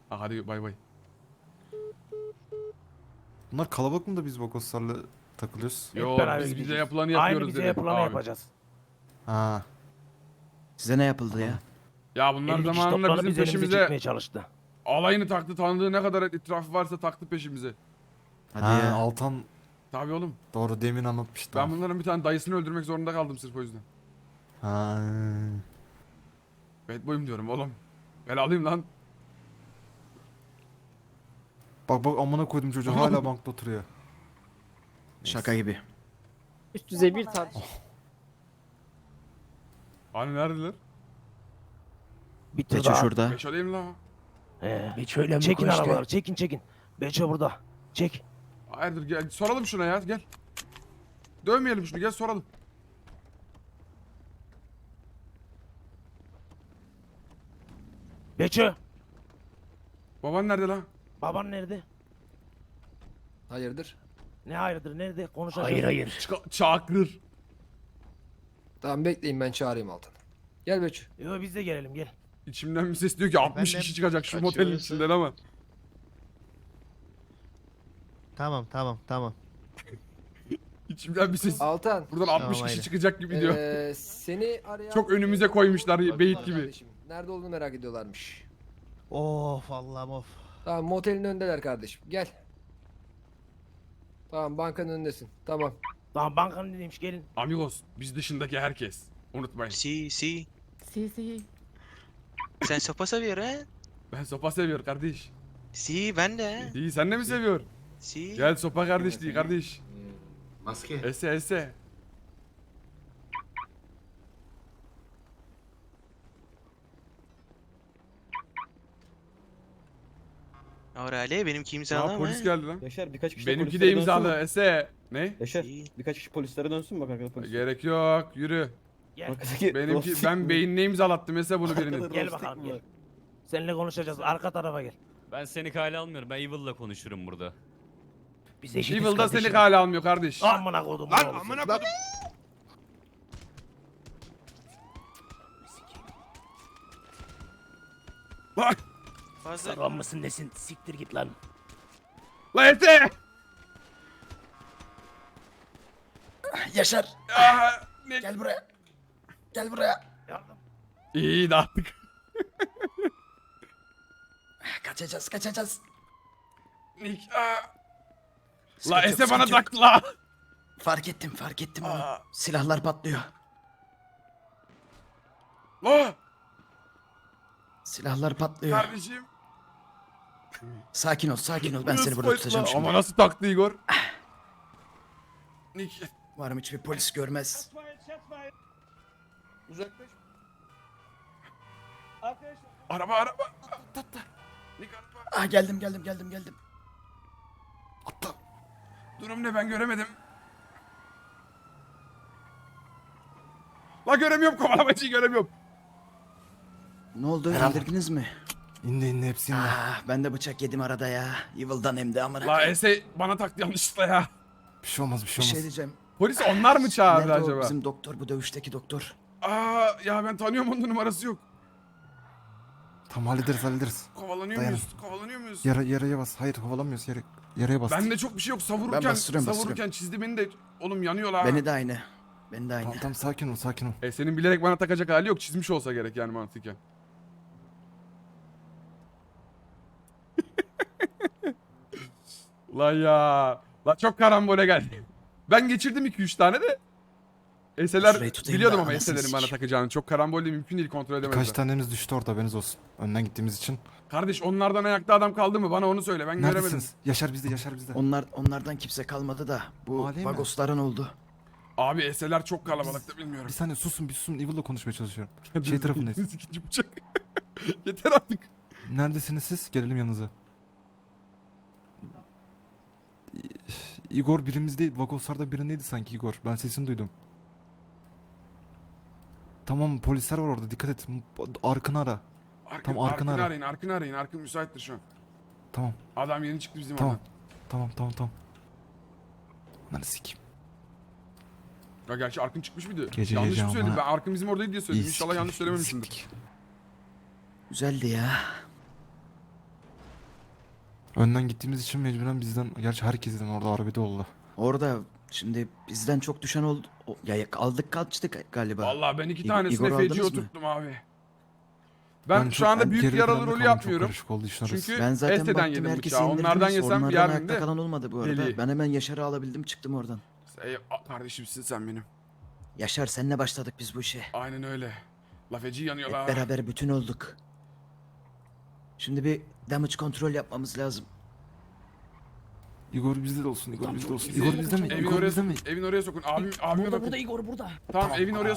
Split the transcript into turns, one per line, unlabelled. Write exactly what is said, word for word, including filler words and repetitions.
Ha, hadi bay bay.
Bunlar kalabalık mı da biz Vagoslarla takılıyoruz?
Hep
Yo
beraber
biz bize
gideceğiz.
yapılanı
Aynı
yapıyoruz
bize
dedi
yapılanı
abi.
yapacağız.
Ha.
Size ne yapıldı ya?
Ya bunlar
elli kişi
zamanında
toplanıp
bizim
biz elimize
peşimize
çekmeye çalıştı.
alayını taktı, tanıdığı ne kadar etrafı varsa taktı peşimize.
Hadi
ha,
ya.
Altan
Tabii oğlum.
doğru demin anlatmıştı.
Ben bunların bir tane dayısını öldürmek zorunda kaldım sırf o yüzden.
Ha.
Bad boy'um diyorum oğlum. Ben alayım lan.
Bak bak amına koydum çocuğu hala bankta oturuyor.
Şaka gibi.
Üst düzey bir tartışma.
Hani neredeler?
Bir tur
Beço
daha.
şurada.
Beş alayım lan.
Ee,
Beço'yla mı
çekin
konuştu?
arabaları çekin çekin. Beço burada. Çek.
Hayırdır gel soralım şuna ya gel. Dövmeyelim şunu gel soralım.
Beço.
Baban nerede lan?
Baban nerede?
Hayırdır?
Ne hayırdır nerede? Konuşacağız.
Hayır hayır.
Çıka- çakırır.
Tamam bekleyin ben çağırayım Altan. Gel Beço.
Yo biz de gelelim gel.
İçimden bir ses diyor ki altmış
Efendim?
kişi çıkacak şu
Kaçıyoruz.
motelin içinden ama.
Tamam tamam tamam.
İçimden bir ses.
Altan.
Buradan altmış
Tamam,
kişi
aynen.
çıkacak gibi diyor.
Ee, seni arayan...
Çok önümüze koymuşlar beyit gibi.
Kardeşim, nerede olduğunu merak ediyorlarmış.
Of Allah'ım of.
Tamam motelin önündeler kardeşim. Gel. Tamam bankanın önündesin. Tamam.
Tamam bankanın dediymiş gelin.
Amigos biz dışındaki herkes. Unutmayın.
Sí, sí.
Sí, sí.
Sen sopa seviyor ha?
Ben sopa seviyor kardeş.
Sí, ben de.
İyi sen de mi seviyor?
Sí.
Gel sopa kardeş değil kardeş.
Maske.
Ese ese.
Orale benimki
Ya
imzalama.
polis geldi lan.
Yaşar birkaç kişi
Benimki de
polislere dönsün
imzalı
mü?
ese. Ne?
Yaşar
İyi.
birkaç kişi polislere dönsün bak arkada polis.
Gerek yok yürü.
Gel.
Arkadaki
Benimki
dostluk
ben
mu?
beynine imzalattım ese bunu birinin.
Arkada
Gel
dostluk
bakalım,
mu
gel.
var?
Seninle konuşacağız. Arka tarafa gel.
Ben seni kale almıyorum. Ben Evil'la konuşurum burada.
Biz eşitiz
Evil'da
kardeşim.
seni kale almıyor kardeş.
Amına kodum.
Lan amına kodum. Bak.
Fazla.
Saran mısın nesin? Siktir git lan.
La ese.
Yaşar
Aa, ne?
gel buraya. Gel buraya.
Yardım.
İyi dağıttık.
Kaçacağız kaçacağız.
Nick. Aa.
Sıkıntı
La
yok,
ese bana
sıkıntı yok.
taktı la.
Fark ettim fark ettim onu.
Aa.
Silahlar patlıyor.
La
Silahlar patlıyor.
kardeşim.
Sakin ol sakin ol ben seni
Nasıl
burada
polis
tutacağım
la?
şimdi.
Ama nasıl taktı Igor? Nick.
Umarım hiçbir polis görmez.
Uzaklaş.
Araba araba. Nick araba.
Ah geldim geldim geldim geldim.
Atla. Durum ne ben göremedim. La göremiyorum kovalamacıyı göremiyorum.
Ne oldu
Herhalde.
indirdiniz mi?
İndi indi hepsi indi.
Ah ben de bıçak yedim arada ya. Evil'dan hem de amına.
La ese bana taktı yanlışlıkla ya.
Bir şey olmaz bir
Bir
şey
şey
olmaz.
diyeceğim.
Polis onlar mı çağırdı
Nerede o
acaba?
bizim doktor bu dövüşteki doktor?
Aa ya ben tanıyorum onun numarası yok.
Tamam hallederiz hallederiz.
Kovalanıyor
Dayanın.
muyuz? Kovalanıyor muyuz?
Yara, yaraya bas. Hayır kovalamıyoruz yere, yaraya bas.
Bende çok bir şey yok. Savururken,
Ben bastırıyorum,
savururken
bastırıyorum.
çizdi beni de. Oğlum yanıyor la.
Beni de aynı. Beni de aynı.
Tamam tamam sakin ol sakin ol.
E senin bilerek bana takacak hali yok. Çizmiş olsa gerek yani mantıken. La ya. La çok karambole geldi. Ben geçirdim iki üç tane de. Eseler
Şurayı tutayım
biliyordum
da
ama
anasını
eselerin bana
sikeyim.
takacağını. Çok karambolde mümkün değil kontrol edemezler.
Birkaç tanemiz düştü orada haberiniz olsun. Önden gittiğimiz için.
Kardeş onlardan ayakta adam kaldı mı? Bana onu söyle. Ben göremedim.
Neredesiniz? Yaşar bizde Yaşar bizde.
Onlar onlardan kimse kalmadı da bu
Mali mi?
Vagosların oldu.
Abi eseler çok kalabalıkta bilmiyorum.
Bir saniye susun bir susun. Evil'la konuşmaya çalışıyorum. Şey tarafındayız.
İkinci bıçak. Yeter artık.
Neredesiniz siz? Gelelim yanınıza. Igor birimizde Vagoslar'da birindeydi sanki Igor. Ben sesini duydum. Tamam polisler var orada dikkat et. Arkını ara.
Arkın,
Tamam, arkını
arkını
ara.
arayın. Arkını arayın. Arkın müsaittir şu an.
Tamam
Adam yeni çıktı bizim
tamam.
oradan.
Tamam tamam tamam. Lan sikeyim.
Ya gerçi Arkın çıkmış mıydı?
Gece
yanlış
gece
mı söyledim?
ama-
Ben Arkın bizim oradaydı diye söyledim.
İyi
İnşallah
sikeyim,
yanlış
iyi
söylememişimdir.
sikeyim.
Güzeldi ya.
Önden gittiğimiz için mecburen bizden, gerçi herkesten orada arbede oldu.
Orada şimdi bizden çok düşen oldu. O- Ya aldık kaçtık galiba.
Vallahi ben iki
İ-
tanesine
Igor
feci
aldınız mı?
oturttum abi. Ben,
çok-
şu anda
ben
büyük
geride
yaralı
planda
rolü
kaldım, çok
yapmıyorum.
karışık oldu işler arası.
Çünkü
Ben zaten
Este'den
baktım
yedim
herkesi
bıçağı.
indirdiniz.
Onlardan yesem
Onlardan
yerdim
ayakta
de.
kalan olmadı bu arada.
Deli.
Ben hemen Yaşar'ı alabildim çıktım oradan.
Ey, a- kardeşimsin sen benim.
Yaşar senle başladık biz bu işe.
Aynen öyle. La feci
Hep
yanıyorlar.
beraber bütün olduk. Şimdi bir damage kontrol yapmamız lazım.
Igor bizde de olsun, Igor
Tamam,
bizde
çok
olsun.
iyi.
Igor bizde mi?
Evin
Igor
oraya
bizde mi?
sokun. Evin oraya sokun. Abim, abime
Burada
bakın.
burada Igor burada.
Tamam evin oraya